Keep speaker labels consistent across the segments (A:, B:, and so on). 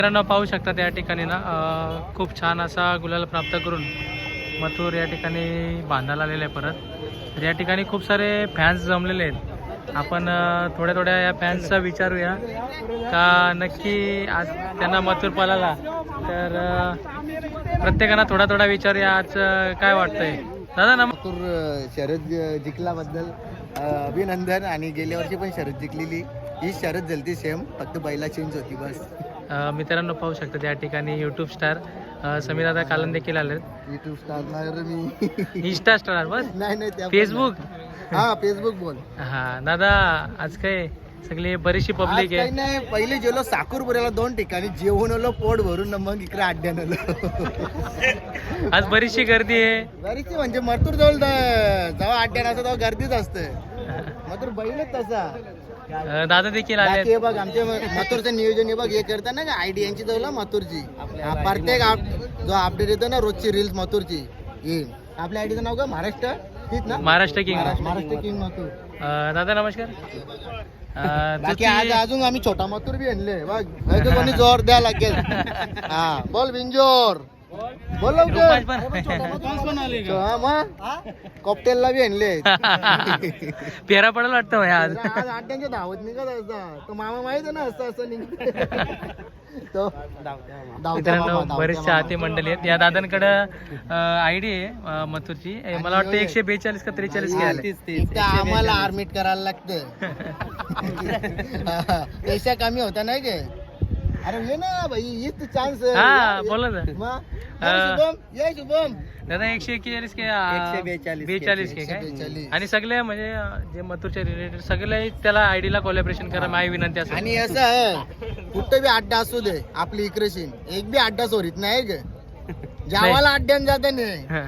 A: मित्रांनो पाहू शकता त्या ठिकाणी ना खूप छान असा गुलाल प्राप्त करून मथुर या ठिकाणी बांधायला आलेलं आहे परत. तर या ठिकाणी खूप सारे फॅन्स जमलेले आहेत. आपण थोड्या थोड्या या फॅन्सचा विचारूया का नक्की आज त्यांना मथुर पळाला. तर प्रत्येकाला थोडा थोडा विचारूया आज काय वाटतंय. दादा
B: मथुर शरद जिंकल्याबद्दल अभिनंदन. आणि गेल्या वर्षी पण शरद जिंकलेली, ही शरद झालती सेम, फक्त बैला चेंज होती बस.
A: मित्रांनो पाहू शकता त्या ठिकाणी यूट्यूब स्टार समीर दादा कालन देखील आले.
B: युट्यूब स्टार नाही मी,
A: इंस्टा स्टार बस.
B: नाही
A: फेसबुक.
B: हा फेसबुक बोल.
A: हा दादा आज काय सगळी बरीचशी पब्लिक आहे.
B: नाही पहिले गेलो साकूरपुऱ्याला 2 ठिकाणी जेवण आलो पोट भरून, मग इकडे अड्ड्यान आलो.
A: आज बरीचशी गर्दी आहे.
B: बरीचशी म्हणजे मथुर जवळ जेव्हा अड्ड्यान असतं तेव्हा गर्दीच असते. मथुर बैलच तसा.
A: दादा देखील आले.
B: हे बघ आमच्या मथुरचं नियोजन हे बघ हे करता ना आयडी यांची जवळ मथुरची प्रत्येक जो अपडेट येतो ना रोजची रील्स मथुरची. ही आपल्या आयडीचं नाव का महाराष्ट्र तीच ना,
A: महाराष्ट्र किंग.
B: महाराष्ट्र किंग मथुर.
A: दादा नमस्कार.
B: बाकी आज अजून आम्ही छोटा मथुर बी आणले बघ. कोणी जोर द्या लागेल. हा बोल बिंजोर बोल कॉकटेलला बी आणले.
A: पेरा पडेल वाटतं आज.
B: आज अड्ड्यांच्या धावत निघत असता तो मामा माहित आहे ना, असं असं निघत.
A: मित्रांनो बरेचसे चाहते मंडळी आहेत. या दादांकडं आयडी आहे मथुरची. मला वाटतं 142 का 43 के आले.
B: आम्हाला आर्मिट करायला लागतं. पैसा कमी होता नाही के. अरे ये ना भाई हीच चान्स.
A: हा बोला ना
B: शुभम ये शुभम.
A: दादा 141 के 142 के काय. आणि सगळे म्हणजे जे मथुरचे रिलेटेड सगळे त्याला आयडीला कोलॅबरेशन करा माझी विनंती असेल.
B: आणि असं आहे कुठं बी अड्डा असू दे आपली इकडे एक बी अड्डा सोडित नाही ग. जावाला अड्ड्यान जाते नाही.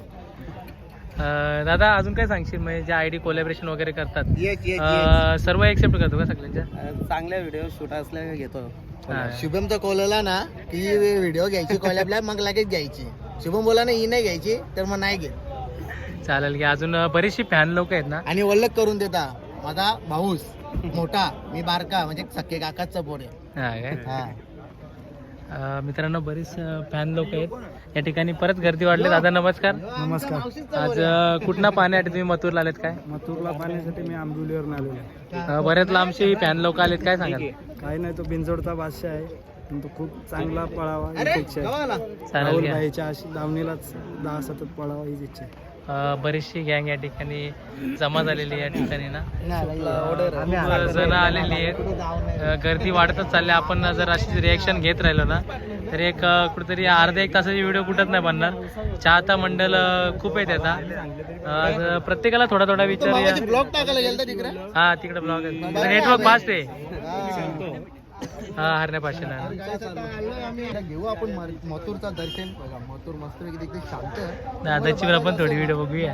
A: दादा अजून काय सांगशील म्हणजे जे आयडी कोलॅबरेशन वगैरे करतात सर्व एक्सेप्ट करतो का सगळ्यांच्या.
B: चांगल्या व्हिडिओ शूट असल्या घेतो. शुभमचा कॉल आला ना की व्हिडिओ घ्यायची कॉलॅबला मग लगेच घ्यायची. शुभम बोला ना ही नाही घ्यायची तर मग नाही घेत.
A: चालेल की अजून बरीचशी फॅन लोक आहेत ना.
B: आणि वल्लक करून देता माझा भाऊस मोठा मी बारका म्हणजे सख्खे काकाचा पोर आहे.
A: मित्रांनो बरीच फॅन लोक आहेत या ठिकाणी. परत गर्दी वाढली. दादा नमस्कार.
C: नमस्कार.
A: आज कुठनं पाहण्यासाठी तुम्ही मथुरला आलेत काय.
C: मथुरला पाहण्यासाठी मी आंबोलीवरून आलेलो.
A: बरेच लांबशी फॅन लोक आलेत काय सांगाल.
C: काही नाही तो बिनजोडचा बादशाह आहे पण तो खूप चांगला पळावा ही इच्छा आहे.
A: चालेल
C: राहुल
A: घ्या.
C: भाईच्या अशी धावणीलाच 10 सतत पळावा हीच इच्छा आहे.
A: बरीचशी गँग या ठिकाणी जमा झालेली या ठिकाणी ना. खूप जण आलेली आहेत. गर्दी वाढतच चालली. आपण जर अशी रिॲक्शन घेत राहिलो ना तर एक कुठेतरी अर्धा एक तासाची व्हिडिओ कुठंच नाही बनणार. चाहता मंडळ खूप आहे त्याचा. प्रत्येकाला थोडा थोडा विचारूया.
B: ब्लॉग टाकायला गेलं तिकडे.
A: हा तिकडे ब्लॉग आहे. नेटवर्क फास्ट आहे. हा हरण्यापासून
B: घेऊ आपण मथुरचा दर्शन. बघा मथुर मस्त एकदम शांत.
A: दादाची पण आपण थोडी व्हिडिओ बघूया.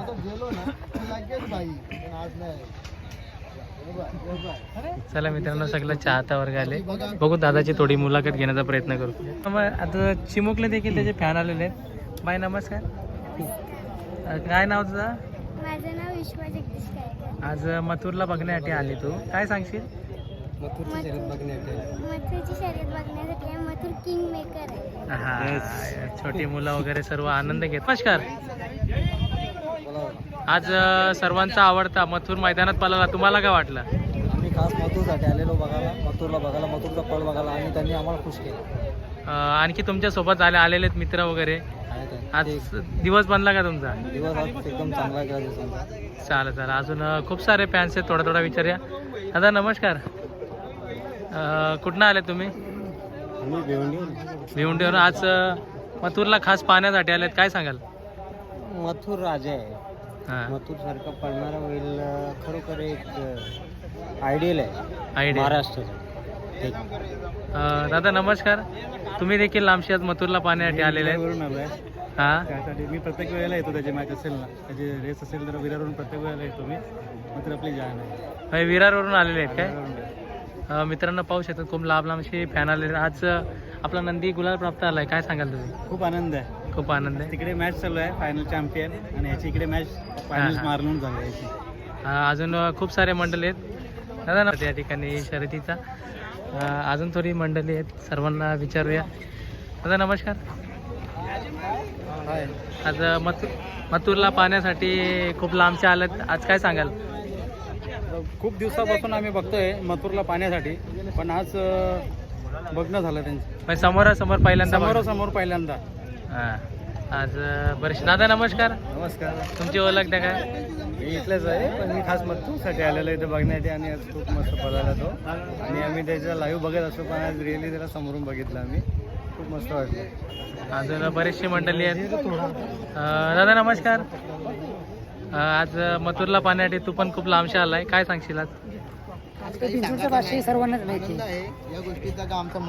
A: चला मित्रांनो सगळं चाहता वर्ग आले. बघू दादाची थोडी मुलाखत घेण्याचा प्रयत्न करू. मग आता चिमुकले देखील त्याचे फॅन आलेले आहेत. बाय नमस्कार. काय नाव तुझं.
D: माझं नाव विश्वा जगदीश गायकवाड.
A: आज मथुरला बघण्यासाठी आली तू काय सांगशील.
D: मथुरची शर्यत बघण्यासाठी आहे. मथुर किंग मेकर आहे.
A: हा छोटी मुलं वगैरे सर्व आनंद घेत. नमस्कार. आज सर्वांचा आवडता मथुर मैदानात पळाला. तुम्हाला काय वाटलं.
B: आम्ही खास मथुरसाठी आलेलो बघायला, मथुरला बघायला, मथुरचा पळ बघायला आणि त्यांनी आम्हाला खुश केलं.
A: आणखी तुमच्या सोबत आलेले मित्र वगैरे. आज दिवस बनला का तुमचा.
B: दिवस आज एकदम चांगला गेला दिवसांचा.
A: चालेल अजून खूप सारे फॅन्स आहेत. थोडा विचारूया. दादा नमस्कार. कुठनं आले तुम्ही. भिवंडीवरून. आज मथुरला खास पाहण्यासाठी आलेत काय सांगाल.
B: मथुर राजा आहे. मथुर सारखं पळणारा होईल खरोखर एक आयडियल आहे महाराष्ट्राचं.
A: दादा नमस्कार. तुम्ही देखील लांबशी आज मथुरला पाहण्यासाठी आलेले आहेत.
C: त्यासाठी मी प्रत्येक वेळेला येतो. त्याची मॅच असेल ना त्याची रेस असेल तर विरारवरून प्रत्येक वेळेला येतो मी. मथुर आपली जाण आहे.
A: विरारवरून आलेले आहेत काय. मित्रांनो पाहू शकतात खूप लांबशी फॅन आलेले. आज आपला नंदी गुलाल प्राप्त आलाय काय सांगाल तुम्ही.
C: खूप आनंद आहे.
A: खूप आनंद आहे.
C: तिकडे मॅच चालू आहे फायनल चॅम्पियन आणि ह्याची इकडे मॅच फायनल मारून झाली याची.
A: अजून खूप सारे मंडळ आहेत दादा ना त्या ठिकाणी शर्यतीचा. अजून थोडी मंडळी आहेत, सर्वांना विचारूया. दादा नमस्कार. आज मथुरला पाहण्यासाठी खूप लांबचे आलेत, आज काय सांगाल?
C: खूप दिवसापासून आम्ही बघतोय मथुरला पाहण्यासाठी, पण आज बघणं झालं त्यांचं
A: पण समोरासमोर पहिल्यांदा बघ-
C: समोर पहिल्यांदा.
A: हां. आज बरेच. दादा नमस्कार,
C: नमस्कार.
A: तुमची ओळख द्या काय?
C: मी इथलेच आहे, पण मी खास मथुरसाठी आलेलो इथे बघण्यासाठी आणि आज खूप मस्त पळाला तो आणि आम्ही त्याचा लाईव्ह बघत असतो, पण आज रिअली त्याला समोरून बघितलं आम्ही, खूप मस्त वाटलं.
A: अजून बरेचशी मंडळी आहेत. दादा नमस्कार. आज मथुरला पाहण्यासाठी तू पण खूप लांबशा आलाय, काय सांगशील आज?
B: सर्वांनाच माहिती आहे या गोष्टीचा का आमचा